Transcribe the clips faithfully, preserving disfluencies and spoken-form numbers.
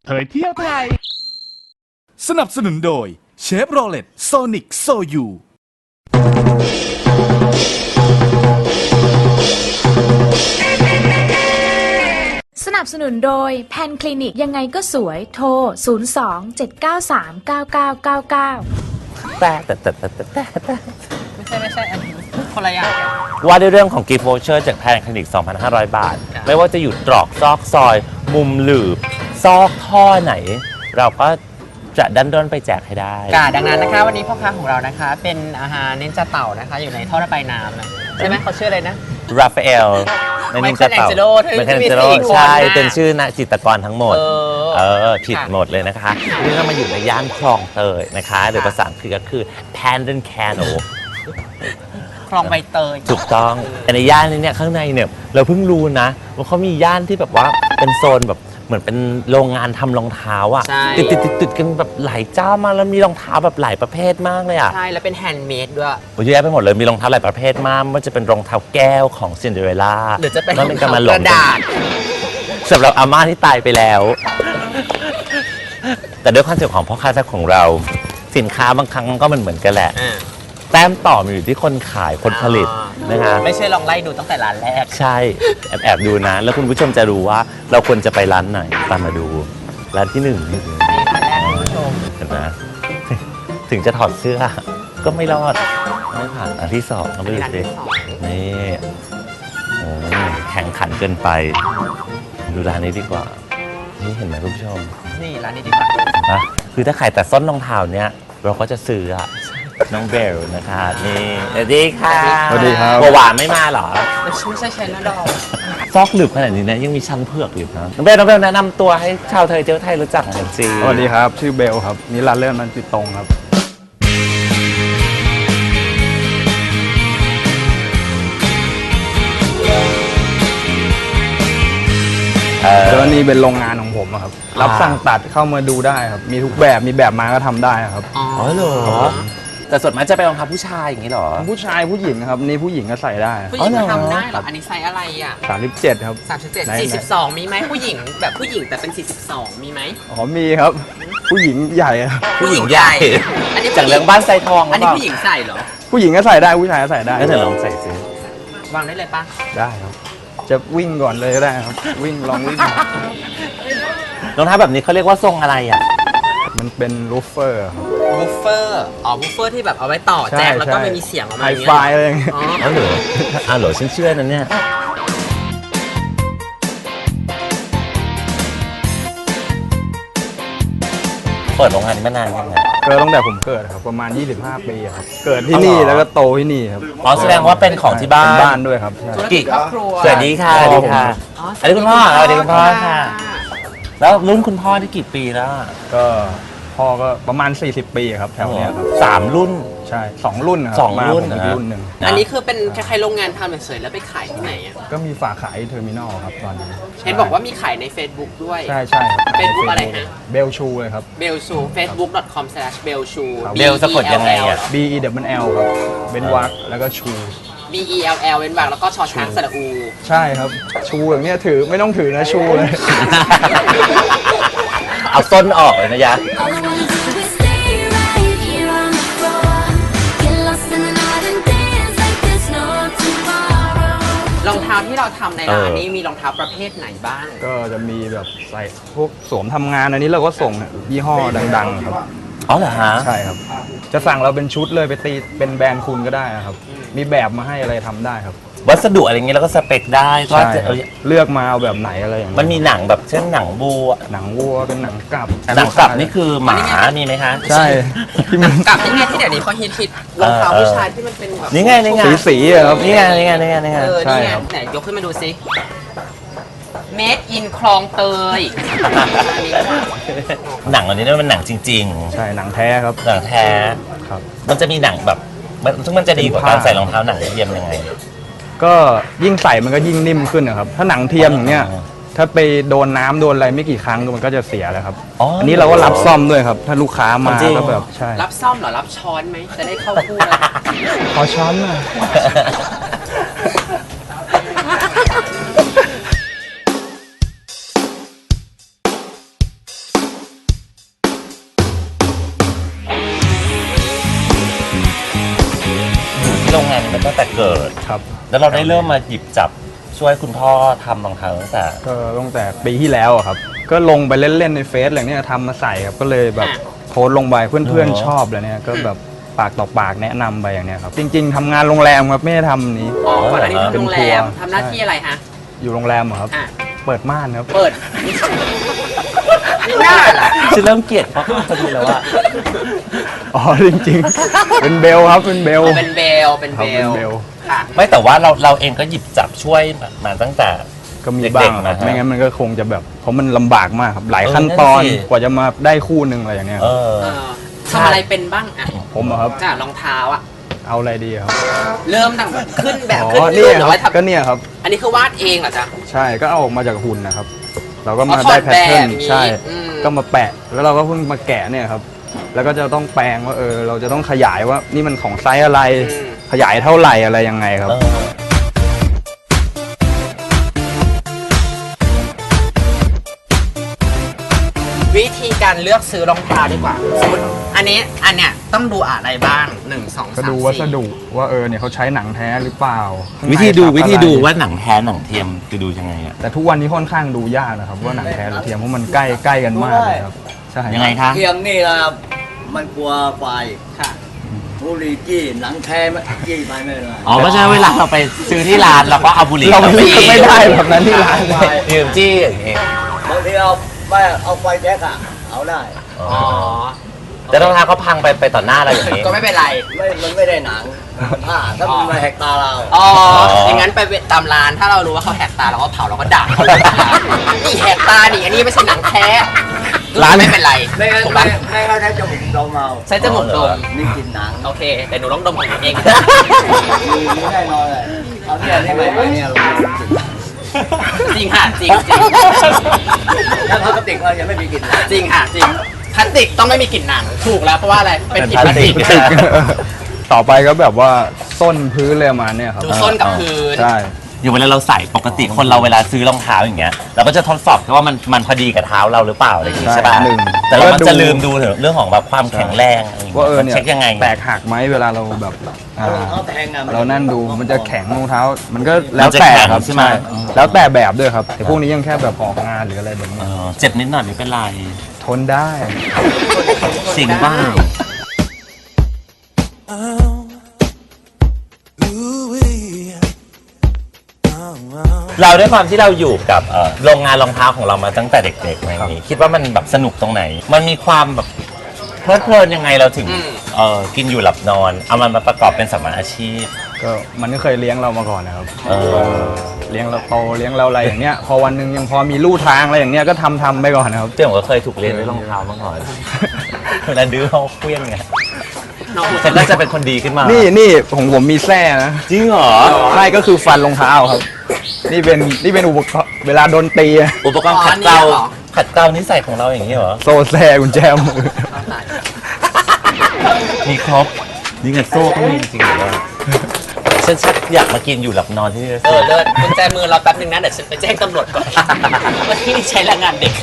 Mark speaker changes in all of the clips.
Speaker 1: เผยเที่ยวไทย
Speaker 2: สนับสนุนโดยเชฟโรเลตโซนิกโซยู
Speaker 3: สนับสนุนโดยแพนคลินิกยังไงก็สวยโทร ศูนย์ สอง เจ็ด เก้า สาม เก้า เก้า เก้า เก้า
Speaker 4: แต่แต่แต่แต่แต่แต่
Speaker 5: ไม่ใช่ไม่ใช่อันนี้คนละอย่าง
Speaker 4: ว่าด้วยเรื่องของกิฟต์โวเชอร์จากแพนคลินิก สองพันห้าร้อย บาท ไม่ว่าจะอยู่ตรอกซอกซอย มุมหลืบ ซอกท่อไหน เราก็จะดันด้นไปแจกให้ได้
Speaker 5: กาดังนั้นนะคะวันนี้พ่อค้าของเรานะคะเป็นอาหารเน้นจะเต่านะคะอยู่ในท่อระบายน้ำนะใช่ไหมเขาชื่ออะไรนะ
Speaker 4: ราฟาเอลในนินจาเต่า
Speaker 5: Michelangelo
Speaker 4: ไมเคิลแองเจโล
Speaker 5: ที่มีสี่คน
Speaker 4: ใช่
Speaker 5: น่ะ
Speaker 4: เป็นชื่อนักจิตรกรทั้งหมด
Speaker 5: เออ
Speaker 4: เออ ผิดหมดเลยนะคะนี่เรามาอยู่ในย่านคลองเตยนะคะหรือภาษาอังกฤษก็คือ Pandan Canal
Speaker 5: คลองใบเตย
Speaker 4: ถูกต้องแต่ในย่านนี้เนี่ยข้างในเนี่ยเราเพิ่งรู้นะว่าเขามีย่านที่แบบว่าเป็นโซนแบบเหมือนเป็นโรงงานทำรองเท้าอ่ะ
Speaker 5: ใช่
Speaker 4: ติดติดติดติดกันแบบหลายเจ้ามากแล้วมีรองเท้าแบบหลายประเภทมากเลยอ่ะ
Speaker 5: ใช่แล้วเป็นแฮนด์เมดด้วย
Speaker 4: โอ้ยเยอะแยะไปหมดเลยมีรองเท้าหลายประเภทมากไม่ว่าจะเป็นรองเท้าแก้วของซินเดอเรลล่า
Speaker 5: หรือจะเป็น
Speaker 4: แล้วมันก็มาหล
Speaker 5: ก
Speaker 4: ง
Speaker 5: ระดาษ
Speaker 4: สำหรับอาม่าที่ตายไปแล้ว แต่ด้วยคอนเซ็ปต์ของพ่อค้าแซ่บของเรา สินค้าบางครั้งก็มันเหมือนกันแหละ
Speaker 5: อ่า
Speaker 4: แต้มต่อมันอยู่ที่คนขายคนผลิตนะคะ
Speaker 5: ไม่ใช่ลองไล่ดูตั้งแต่ร้านแรก
Speaker 4: ใช่แอบแอบดูนะ แล้วคุณผู้ชมจะรู้ว่าเราควรจะไปร้านไหนตามมาดูร้านที่หนึ่งนี่
Speaker 5: ร้านแรกคุณผู้ชม
Speaker 4: เห็นไหมถึงจะถอดเสื้อ ก็ไม่รอดไม่ผ่านอันที่สองก็ไปดู
Speaker 5: ร้าน
Speaker 4: สิ
Speaker 5: ที่สอง
Speaker 4: นี่โอ้ยแข่งขันเกินไป ดูร้านนี้ดีกว่า นี่เห็นไหมคุณผู้ชม
Speaker 5: นี่ร้านนี้ดีกว่า
Speaker 4: นะคือถ้าขายแต่ส้นรองเท้าเนี้ยเราก็จะซื้ออะน้องเบลนะคะนี่สวัสดีค่ะ
Speaker 1: สวัสดีครับ
Speaker 4: บัวหวานไม่มาเหรอ
Speaker 5: ไม่ใช่ใช่นะดอก
Speaker 4: ซอกหลืบขนาดนี้นะยังมีชั้นเผือกอยู่นะน้องเบลน้องเบลแนะนำตัวให้ชาวไทยเที่ยวไทยรู้จักหน่อยสิ
Speaker 1: สวัสดีครับ ชื่อเบลครับนิรันดร์เลื่อนมันติดตรงครับ
Speaker 4: เออ
Speaker 1: แล้วนี่เป็นโรงงานของผมอะครับ รับสั่งตัดเข้ามาดูได้ครับ มีทุกแบบมีแบบมาก็ทำได้ครับ
Speaker 5: อ๋อ
Speaker 4: อ๋อเหรอแต่ส่วนมากจะเป็นรองเท้าผู้ชายอย่างนี้เหรอ
Speaker 1: ผู้ชายผู้หญิงครับนี่ผู้หญิงก็ใส่ได้
Speaker 5: ผู้หญิง
Speaker 4: อ๋อเหรอ
Speaker 5: ทำได้เหรออันนี้ไซส์อะไรอ่ะ
Speaker 1: สามสิบเจ็ดครับ
Speaker 5: สามสิบเจ็ด
Speaker 1: ไหน
Speaker 5: สี่สิบสองมีไหมผู้หญิงแบบผู้หญิงแต่เป็นสี่สิบสองมีไหม
Speaker 1: อ๋อมีครับ ผู้หญิงใหญ่ครับ
Speaker 4: ผู้หญิงใหญ่
Speaker 5: อันนี้
Speaker 4: จากเรื่องบ้านไซทองห
Speaker 5: อั
Speaker 4: รื
Speaker 5: น
Speaker 4: อเปล่า
Speaker 5: นี้ผู้หญิงใส่เหรอ
Speaker 1: ผู้หญิงก็ใส่ได้ผู้ชายก็ใส่ได้
Speaker 4: ก็เธอลองใส่ซิ
Speaker 5: วางได้เลยปะ
Speaker 1: ได้ครับ จะวิ่งก่อนเลยก็ได้ครับ วิ่งลองวิ่ง
Speaker 4: รองเท้าแบบนี้เขาเรียกว่าทรงอะไรอ่ะ
Speaker 1: มันเป็นรูฟเฟอร์ครับ
Speaker 5: บูฟเฟอร์อ๋อบูฟเฟอร์ที่แบบเอาไว้ต่อแจ็คแล้วก็ไม่มีเสียงออกมา
Speaker 1: ไฮ
Speaker 5: อย่างเงี้ย
Speaker 1: ไฟอะไรอย่างเงี้ย
Speaker 5: อ๋อ
Speaker 4: อ๋อเหรออ๋อเหรอฉันเชื่อนะเนี่ยเปิดโรงงานนี้มานานยังไง
Speaker 1: เกิดตั้งแต่ผมเกิดครับประมาณ ยี่สิบห้า ปีครับ เกิดที่นี่
Speaker 4: อ๋อเหรอ
Speaker 1: แล้วก็โตที่นี่ครับ
Speaker 4: อ๋อแสดงว่าเป็นของที่บ้าน
Speaker 1: เป็นบ้านด้วยครับใช่
Speaker 4: กี่
Speaker 5: ครอบครัว
Speaker 4: สวัสดีค่ะสวัสดีค่ะ
Speaker 5: อ๋อ
Speaker 4: อันนี้คุณพ่อสวัสดีคุณพ่อค่ะ แล้วรุ่นคุณพ่อที่กี่ปีแล้วอะ
Speaker 1: ก็พ่อก็ประมาณ สี่สิบ ปีครับแถวเนี้ยครับ
Speaker 4: สามรุ่น
Speaker 1: ใช่สองรุ่นนะครับ
Speaker 4: สอง
Speaker 1: มา
Speaker 4: รุ่น
Speaker 1: ผมอี
Speaker 4: นะ
Speaker 1: กรุ่นหนึ่ง
Speaker 5: อันนี้คือเป็นคล้ายๆโรงงานทำเฉยๆแล้วไปขายที่ไหนอ่ะ
Speaker 1: ก็มีฝากขายเทอร์มินอลครับตอนนี้
Speaker 5: เห็นบอกว่ามีขายใน Facebook ด้วย
Speaker 1: ใช่ใช่ครับ
Speaker 5: Facebook อะไรฮะ
Speaker 1: เบลชูเลยครับ
Speaker 5: เบลชู facebook dot com slash เบลชู
Speaker 1: ครับ
Speaker 4: เบลสะกดยังไงอะ
Speaker 1: B E W L ครับเบนวักแล้วก็ชู
Speaker 5: B E L L เว้นวรรคแล้วก็ชอช้างสระอู
Speaker 1: ใช่ครับชูอย่างเนี้ยถือไม่ต้องถือนะชูเลย
Speaker 4: เอาส้นออกเลยนะยะ
Speaker 6: All I wanna do is stay right here on the floor. Get lost in the night and dance like there's no tomorrow.
Speaker 5: รองเท้าที่เราทำในร้าน
Speaker 4: เออ
Speaker 5: นี้มีรองเท้าประเภทไหนบ้าง
Speaker 1: ก็จะมีแบบใส่พวกสวมทำงานอันนี้เราก็ส่งยี่ห้อดังๆครับ
Speaker 4: อ๋อเหรอฮะ
Speaker 1: ใช่ครับ จะสั่งเราเป็นชุดเลยไปตีเป็นแบรนด์คุณก็ได้ครับ มีแบบมาให้อะไรทำได้ครับ
Speaker 4: วัสดุอะไรเงี้ยแล้วก็สเปคได้ก็
Speaker 1: ใช่
Speaker 4: จะ
Speaker 1: ครับเลือกมาเอาแบบไหนอะไรอย่างเงี้ย
Speaker 4: มันมีหนังแบบเช่นหนังบัว
Speaker 1: หนังวัวเป็นหนังกลับ
Speaker 4: หนังกลับนี่คือหมามีไหมคะ
Speaker 1: ใช่ที่มัน
Speaker 5: กับนี่ไงที่เดี๋ยวนี้เขาฮิตฮิตรองเท้า
Speaker 4: เออ
Speaker 5: ผู้ชายที่มันเป็นแบบ
Speaker 4: นี่ไงนี่ไง
Speaker 1: สีสีๆอะครับ
Speaker 4: นี่ไงนี่ไงนี่ไงนี่ไง
Speaker 5: เออ
Speaker 1: ใช่
Speaker 5: นี่ไง
Speaker 1: ครับ
Speaker 5: ไหนยกขึ้นมาดูซิ Made in คลองเตยอันนี้ค่ะ
Speaker 4: หนังอันนี้เนี่ยมันหนังจริง
Speaker 1: ใช่หนังแท้ครับ
Speaker 4: ๆหนังแท้
Speaker 1: ครับ
Speaker 4: มันจะมีหนังแบบมันซึ่งมันจะดีกว่าการใส่รองเท้าหนังเทียมยังไง
Speaker 1: ก็ยิ่งใส่มันก็ยิ่งนิ่มขึ้นนะครับ ถ้าหนังเทียมอย่างเนี้ย
Speaker 4: อ๋อ
Speaker 1: ถ้าไปโดนน้ำโดนอะไรไม่กี่ครั้งมันก็จะเสียแล้วครับ
Speaker 4: อ๋ออั
Speaker 1: อันนี้เราก็รับซ่อมด้วยครับ ถ้าลูกค้ามา
Speaker 4: จริง
Speaker 1: ก็แบบใช่
Speaker 5: รับซ่อมเหรอ รับช้อนไหม จะได้เข้าคู่แล้ว
Speaker 1: ขอช้อนหน่อย
Speaker 6: All
Speaker 4: มาตั้งแต่เกิด
Speaker 1: ครับ
Speaker 4: แล้วเราได้เริ่มมาหยิบจับช่วยคุณพ่อทำรองเท้าตั้งแต่
Speaker 1: ก็ตั้งแต่ปีที่แล้วอะครับ ก็ลงไปเล่นๆในเฟซอะไรเนี้ยทำมาใส่ครับก็เลยแบบโพสต์ลงไปเพื่อนๆชอบเลยเนี่ยก็แบบปากต่อปากแนะนำไปอย่างเนี้ยครับ จริง ๆทำงานโรงแรมครับไม่ได้ทำนี้
Speaker 5: อ๋อก่อนอันนี้ทำ
Speaker 1: เป็น
Speaker 5: โรงแร
Speaker 1: ครัว
Speaker 5: มทำหน้าที่อะไรฮะ
Speaker 1: อยู่โรงแรมเหรอครับ
Speaker 5: อ่ะ
Speaker 1: เปิดม่านครับ
Speaker 5: เปิดไม่น่าล่ะ
Speaker 4: ฉันเริ่มเกลียดเขาพอดีแล้วว่า
Speaker 1: อ๋อจริงๆ เป็นเบลครับเป็นเบล
Speaker 5: เป็นเบลเป็น
Speaker 1: ครับ
Speaker 5: เบ
Speaker 1: เป็น
Speaker 5: ล
Speaker 1: เบล
Speaker 5: ค่ะ
Speaker 4: ไม่แต่ว่าเราเราเองก็หยิบจับช่วยมาตั้งแต่
Speaker 1: ก็มี
Speaker 4: เด็กๆ
Speaker 1: บ้างครับ
Speaker 4: นะฮะ
Speaker 1: ไม่งั้นมันก็คงจะแบบเพราะมันลำบากมากครับหลาย
Speaker 4: เออ
Speaker 1: ขั้นตอน
Speaker 4: นั่นสิ
Speaker 1: กว่าจะมาได้คู่หนึ่งอะไรอย่างเนี้ยค
Speaker 4: เอ
Speaker 1: รับ
Speaker 4: อ
Speaker 5: เออทำอะไรเป็นบ้างอ่ะ
Speaker 1: ผมอะครับ
Speaker 5: จ้ารองเท้าอ่ะ
Speaker 1: เอาอะไรดีครับ
Speaker 5: เริ่มตั้งแต่ขึ้นแบบ
Speaker 1: อ๋
Speaker 5: ขึ้น
Speaker 1: อ
Speaker 5: รู
Speaker 1: เนี่
Speaker 5: ป
Speaker 1: ย
Speaker 5: หรือ
Speaker 1: ครั
Speaker 5: ว่า
Speaker 1: บก็
Speaker 5: ทำ
Speaker 1: เนี่ยครับ
Speaker 5: อันนี้คือวาดเองเหรอจ๊ะ
Speaker 1: ใช่ก็เอาออกมาจากหุ่นนะครับ เราก็มา
Speaker 5: อ๋อถอ
Speaker 1: ได้
Speaker 5: ด
Speaker 1: แพทเทิร์น
Speaker 5: แบบนี้
Speaker 1: ใช่
Speaker 5: อืม
Speaker 1: ก็มาแปะแล้วเราก็เพิ่งมาแกะเนี่ยครับแล้วก็จะต้องแปลงว่าเออเราจะต้องขยายว่านี่มันของไซส์อะไร
Speaker 5: อืม
Speaker 1: ขยายเท่าไหร่อะไรยังไงครับ
Speaker 4: เออ
Speaker 5: วิธีการเลือกซื้อรองเท้าดีกว่าสมมติอันนี้อันเนี้ยต้องดูอะไรบ้างหนึ่งสอง
Speaker 1: ก็
Speaker 5: สาม
Speaker 1: ดูวัส
Speaker 5: สี่
Speaker 1: ดุว่าเออเนี่ยเขาใช้หนังแท้หรือเปล่าข้างใน
Speaker 4: วิธีดู
Speaker 1: ทับ
Speaker 4: วิธีดู
Speaker 1: อะไร
Speaker 4: ว่าหนังแท้หนังเทียมจะดูยังไงอะ
Speaker 1: แต่ทุกวันนี้ค่อนข้างดูยากนะครับว่าหนังแท้หรือเทียมเพราะมันใกล้ใกล้กันมากเลยครับใช่
Speaker 4: ยังไงคะ
Speaker 7: เทียมนี่นะมันกลัวไฟ
Speaker 5: ค่ะ
Speaker 7: บุหรี่จี้หนังแท้ไม่จี้ไปไม่ได้
Speaker 4: อ๋อเพราะฉะนั้นเวลาเราไปซื้อที่ร้านเราก็เอาบุหรี่
Speaker 1: เราไม่
Speaker 4: จี้
Speaker 1: ไม่ได้แบบนั้นที่ร้านเลย
Speaker 4: ดื่มจี้อย่างเงี้ย
Speaker 7: บางทีเอาไม่เอาไฟแจ็คอะเอาได้
Speaker 4: อ๋อ
Speaker 5: อ๋อ
Speaker 4: แต่รองเท้าเขาพังไปไปต่อหน้าเราอย่างนี้
Speaker 5: ก็ไม่เป็นไร
Speaker 7: ไม่มันไม่ได้หนังผ้าถ้ามันมาแหกตาเรา
Speaker 5: อ๋ออย่างนั้นไปตามร้านถ้าเรารู้ว่าเขาแหกตาเราก็เผาเราก็ด่าเขาเลยนี่แหกตาดิอันนี้ไม่ใช่หนังแท้
Speaker 1: ร้าน
Speaker 5: ไม่เป็นไร
Speaker 7: ไม่งั้น
Speaker 5: ถูก
Speaker 7: ไม่
Speaker 5: ปะ
Speaker 7: ไม่เขาใช้จมูกดมเอา
Speaker 5: ใช้จมูกดม
Speaker 7: มีกลิ่นหนัง
Speaker 5: โอเค แต่หนูต้องดมของหนูเอง
Speaker 7: มีมีแน่นอนเลยเอาเนี่ยนี่ไปเนี่ยเราไม่มีกลิ่น
Speaker 5: จริงค่ะจริงจริง
Speaker 7: แล้วพลาสติกเรายังไม่มีกลิ่นหนัง
Speaker 5: จริงค่ะจริงพลาสติกต้องไม่มีกลิ่นหนังถูกแล้วเพราะว่าอะไรเป็นกลิ่นพลาสติก
Speaker 1: ติกต่อไปก็แบบว่าส้นพื้นเลยประมาณเนี่ยครับ
Speaker 5: ดูส้นกับพื้น
Speaker 1: ใช่
Speaker 4: อย่างเวลาเราใส่ปกติคนเราเวลาซื้อรองเท้าอย่างเงี้ยเราก็จะทดสอบว่ามันมันพอดีกับเท้าเราหรือเปล่าอะไรอย่างงี้ใช่ป่ะ
Speaker 1: หนึ่ง
Speaker 4: แต่เรา
Speaker 1: แล้ว
Speaker 4: มัน
Speaker 1: ก็
Speaker 4: จะ
Speaker 1: ดู
Speaker 4: ลืมดูถึงเรื่องของแบบความแข็งแรงอะไรอย่าง
Speaker 1: ว่า
Speaker 4: เงี้ย
Speaker 1: เออเนี่ย
Speaker 4: เช็คยังไง
Speaker 1: แตกหักไหมเวลาเราแบบอ่า
Speaker 7: เขาแทงอะ
Speaker 1: เรานั่นดูมันจะแข็งรองเท้า มันก็แล้ว
Speaker 4: มันจะ
Speaker 1: แต่
Speaker 4: แข็ง
Speaker 1: ครับ
Speaker 4: ใช่ไหม
Speaker 1: แล้วแต่แบบด้วยครับแต่พวกนี้ยังแค่แบบออกงานหรืออะไรแบบ
Speaker 4: เอ
Speaker 1: นี้
Speaker 4: อเจ็บนิดหน่อยไม่เป็นไร
Speaker 1: ทนได้
Speaker 4: จริงบ้าง เราด้วยความที่เราอยู่กับเอ่อโรงงานรองเท้าของเรามาตั้งแต่เด็กๆอะไรอย่างนี้คิดว่ามันแบบสนุกตรงไหน มันมีความแบบเพลิดเพลินยังไงเราถึง
Speaker 5: อืม
Speaker 4: เออกินอยู่หลับนอน เอามันมาประกอบเป็นสมมาอาชีพ
Speaker 1: ก็มันก็เคยเลี้ยงเรามาก่อนนะครับ
Speaker 4: เออ
Speaker 1: เลี้ยงเราโตเลี้ยงเราอะไรอย่างเงี้ยพอวันหนึงยังพอมีลู่ทางอะไรอย่างเงี้ยก็ทำทำไปก่อนนะครับ
Speaker 4: เจ้าผมก็เคยถูกเรียนด้วยรองเท้ามาก่อนเวลาดื้อเขาเคลี้ยงไง
Speaker 5: น้อง
Speaker 4: ฉันก็จะเป็นคนดีขึ้นมา
Speaker 1: นี่นี่ของผมมีแส้นะ
Speaker 4: จริงเหรอ
Speaker 1: ใช่ก็คือฟันรองเท้าครับ นี่เป็นนี่เป็นอุปกรณ์เวลาโดนตีอะ
Speaker 4: อุปกรณ์ขัดเกลาขัดเกลานิสัยของเราอย่างนี้เหรอ
Speaker 1: โซ่แซ่กุญแจมือ
Speaker 4: มีครบนี่ไงโซ่ก็มีจริงๆเลยฉันชักอยากมากินอยู่หลับนอนที่นี่เลย
Speaker 5: เออเลิศกุญแจมือเราแป๊บนึงนะเดี๋ยวฉันไปแจ้งตำรวจก่อนว่าที่นี่ใช้แรงงานเด็ก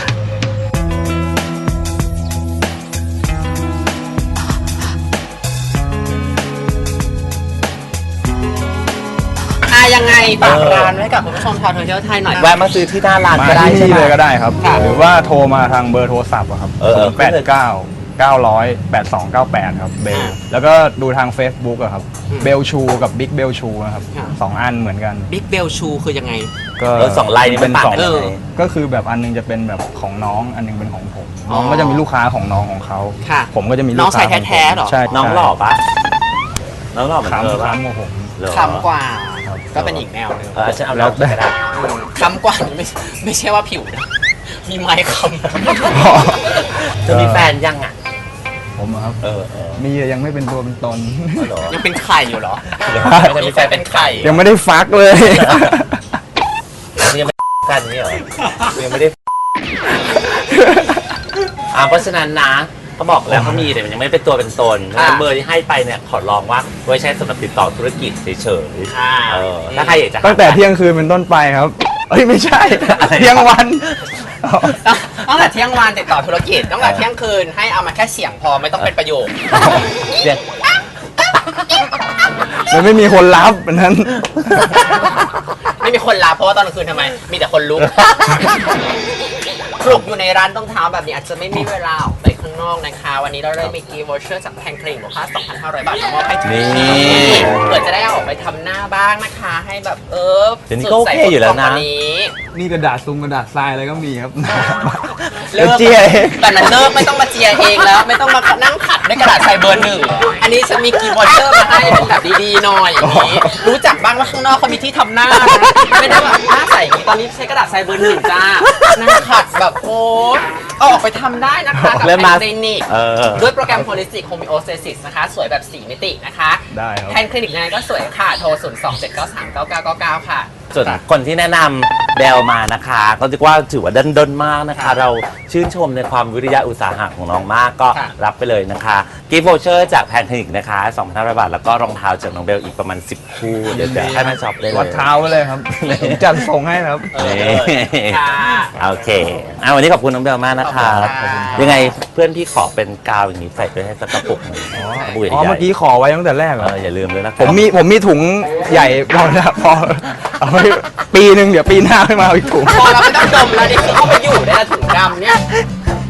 Speaker 5: อ่ะยังไงฝากร้านไว้กับคุณผู้ชมชาวโซเชียลไทยหน่อย
Speaker 4: แวะมาซื้อที่หน้าร้าน
Speaker 1: มา
Speaker 4: ก็ได้
Speaker 1: ที่
Speaker 4: ใช่
Speaker 1: นี่
Speaker 4: ไหม
Speaker 1: เลยก็ได้ครับ
Speaker 5: ค่ะ
Speaker 1: หรือว่าโทรมาทางเบอร์โทรศัพท์อะครับ
Speaker 4: เออเออ
Speaker 1: แปดเก้าเก้าร้อยแปดสองเก้าแปดครับเบลแล้วก็ดูทาง Facebook อะครับเบลชูกับบิ๊กเบลชูนะครับสองอันเหมือนกัน
Speaker 5: บิ๊กเบลชูคือยังไง
Speaker 1: ก็
Speaker 4: เออสองลายนี้มันต่างกัน
Speaker 1: ส
Speaker 4: ยังไง
Speaker 1: ก็คือแบบอันนึงจะเป็นแบบของน้องอันนึงเป็นของผม
Speaker 5: อ๋อ
Speaker 1: น้องก็จะมีลูกค้าของน้องของเขา
Speaker 5: ค่ะ
Speaker 1: ผมก็จะมีลูก
Speaker 5: น้อง
Speaker 1: ค้า
Speaker 5: ชาย
Speaker 1: ของผม
Speaker 5: แท้ๆเหรอ
Speaker 1: ใช่
Speaker 4: น้องหล่อปะน้องหล่อเหมือนเธอ
Speaker 1: คำ
Speaker 4: ปะ
Speaker 1: คำของผม
Speaker 4: เหรอ
Speaker 5: คำกว่า
Speaker 1: ครับ
Speaker 5: ก็เป็นอีกแนวหนึง
Speaker 4: เออฉันเอาแล้วแต่ได้
Speaker 5: คำกว่านี่ไม่ไม่ใช่ว่าผิวนะมีไม้ค
Speaker 4: เธอมีแฟนยังอ่ะ
Speaker 1: ผมอะครับ
Speaker 4: เออเออ
Speaker 1: มีแต่ยังไม่เป็นตัวเป็นตน
Speaker 4: เหรอ
Speaker 5: ำยังเป็นไข่อยู่เหรอ
Speaker 4: ไม่ใช่มีแฟนเป็นไข่
Speaker 1: ยังไม่ได้ฟักเลย
Speaker 4: ยังไม่กันนี่เหรอยังไม่ได้อ่าเพราะฉะนั้นนะเขาบอกแล้วเขามีแต่มันยังไม่เป็นตัวเป็นตนเพราะฉะนั้นเบอร์ที่ให้ไปเนี่ยขอลองว่าไว้ใช้สำหรับติดต่อธุรกิจเฉย
Speaker 5: ค่ะ
Speaker 4: ๆเออถ้าใครอยากจะหา
Speaker 1: ตั้งแต่เที่ยงคืนเป็นต้นไปครับ เอ้ยไม่ใช่
Speaker 4: อะไร
Speaker 1: เที่ยงวัน
Speaker 5: ตั้งแต่เที่ยงวันติดต่อธุรกิจตั้งแต่เที่ยงคืนให้เอามาแค่เสียงพอไม่ต้องเป็นประโยค
Speaker 4: เสียง
Speaker 1: มันไม่มีคนรับอันนั้น
Speaker 5: ไม่มีคนลาเพราะว่าตอนกลางคืนทำไม มีแต่คนลุกปลุกอยู่ในร้านต้องเท้าแบบนี้อาจจะไม่มีเวลาออกไปข้างนอกนะคะ วันนี้เราเลยมีกีวอเชอร์จากแพนคลินิกมูลค่า สองพันห้าร้อย บาทมามอบให้ถึง
Speaker 4: นี่
Speaker 5: ที่เผื่อจะได้เอาออกไปทำหน้าบ้างนะคะ ให้แบบเออ
Speaker 4: เดี๋ยวนี้ก็โอเคอยู่แล้วนะ
Speaker 5: สดใสกว่านี้
Speaker 1: นี่กระดาษซุงกระดาษทรายอะไรก็มีครับ
Speaker 5: เลิ
Speaker 1: เดี๋ยว
Speaker 5: ก
Speaker 1: เจียเอง
Speaker 5: แต่นั้นเลิกไม่ต้องมาเจียเองแล้ว ไม่ต้องมานั่งขัดด้วยกระดาษใส่เบอร์หนึ่ง อันนี้ฉันมีกีวอเชอร์มาให้เป็นแบบดีๆหน่อยอย่างนี้รู้จักบ้างว่าข้างนอกเขามีที่ทำหน้านะไม่ได้แบบหน้าใสอย่างนี้ตอนนี้ใช้กระดาษใส่เบอร์หนึ่งจ้านั่งขัดแบบโอ๊ยเอาออกไปทำได้นะคะกับ
Speaker 4: เริ่ม
Speaker 5: แพ
Speaker 4: มา
Speaker 5: นคลินิก
Speaker 4: เออ
Speaker 5: ด้วยโปรแกรม Holistic Homeostasis นะคะ สวยแบบสี่มิตินะคะ
Speaker 1: ได้ครับ
Speaker 5: แพนคลินิกยังไงก็สวยค่ะ โทร ศูนย์ สอง เจ็ด เก้า สาม เก้า เก้า เก้า เก้า ค่ะ
Speaker 4: ส่วนคนที่แนะนำเดลมานะคะก็เรียกว่าถือว่าดันดนมากนะคะ เราชื่นชมในความวิริยะอุตสาหะของน้องมากก็
Speaker 5: ค่ะ
Speaker 4: รับไปเลยนะคะกิฟต์วอเชอร์จากแพนคลินิกนะคะ สองพันห้าร้อย บาท แล้วก็รองเท้าจากน้องเบลอีกประมาณ สิบ คู่ เดี๋ยวจะให้มาช็อปได้เลย
Speaker 1: วัดเท้าไว้เลยครับผมจัดส่งให้นะครับ
Speaker 5: เออ
Speaker 4: นี่
Speaker 5: ค่ะ
Speaker 4: โอเคอ่ะวันนี้ขอบคุณน้องเบลมากนะคะ
Speaker 5: ขอบคุณค่ะ
Speaker 4: ยังไงเพื่อนพี่ขอเป็นกาวอย่างนี้ใส่ไปให้สักกระปุกหนึ่งกระปุกใหญ่
Speaker 1: อ๋อ เมื่อกี้ขอไว้ตั้งแต่แรกเหร
Speaker 4: เอ
Speaker 1: อ
Speaker 4: ออย่าลืมเลยนะ
Speaker 1: ผมมีผมมีถุงใหญ่พอแล้วพอเอาไว้ปีหนึ่งเดี๋ยวปีหน้าให้มาเอาอีกถุง
Speaker 5: พอเราไม่ต้องดมแล้วนี่คือเข้าไปอยู่ในถุงดำเนี่ย